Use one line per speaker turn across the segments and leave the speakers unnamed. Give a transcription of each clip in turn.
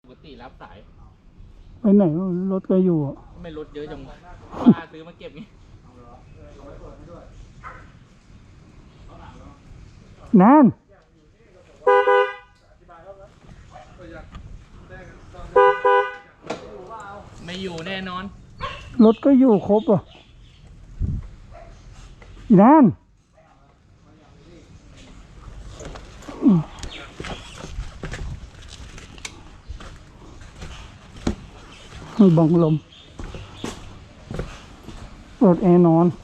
ปกติรับสาย
ไปไหนรถก็อยู่
ไม่รถเยอะจังป้าซื้อมาเก็บงี้
นาน
ไม่อยู่แน่นอน
รถก็อยู่ครบอ่ะนานบังลมเปิดแอร์นอน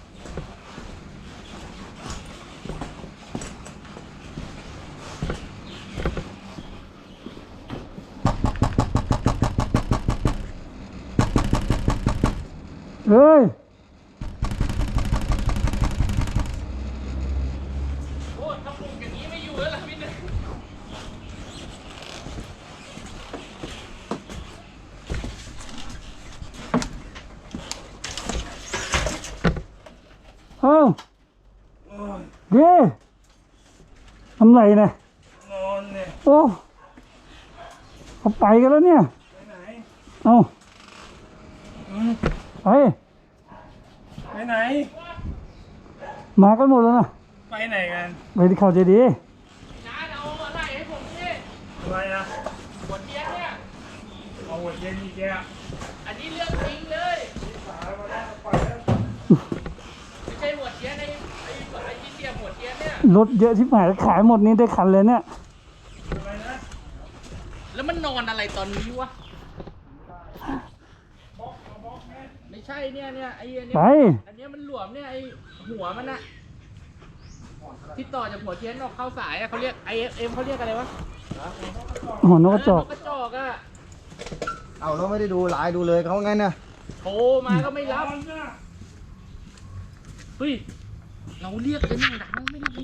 เฮ้ย
โอ้ถ้าปลูกอย่างนี้ไม่อยู่แล้วล่ะพี่นึง
เอ้าเด้ทำไรเนี่ย
นอนเนี่ย
โอ้เขาไปกันแล้วเนี่ย
ไปไหน
เอ้าไป
ไปไหน
มากันหมดแล้วนะ
ไปไหนกัน
ไปที่เขาเจดีย์
น้าเอาอะไรให้ผมพี่
อะไรนะ
ขวดเบียร์เนี่ย
เอาหัวเย็นอีกแก
อันนี้เรื่องจริงเลยไม่ใช่หัวเบียร์ในไอ้ที่เสียบหัวเบียร์เนี่ย
รถเยอะที่หายขายหมดนี้ได้คันเลยเนี่ย
อะไรนะ
แล้วมันนอนอะไรตอนนี้วะไม่ใช่เนี่ยไอ้อันเนี้ยอันเนี้ยมันหลวมเนี่ยไอ้หัวมันอะที่ต่อจากหัวเทียนออกเข้าสายอะเขาเรียก IFM เขาเรียกอะไรวะ
หัวนกกระจอก
นกกระจอกอะ
เอาเราไม่ได้ดูไลน์ดูเลยเขาไงเนี่ย
โทรมาก็ไม่รับเฮ้ยเราเรียกกันอย่างดังไม่ได้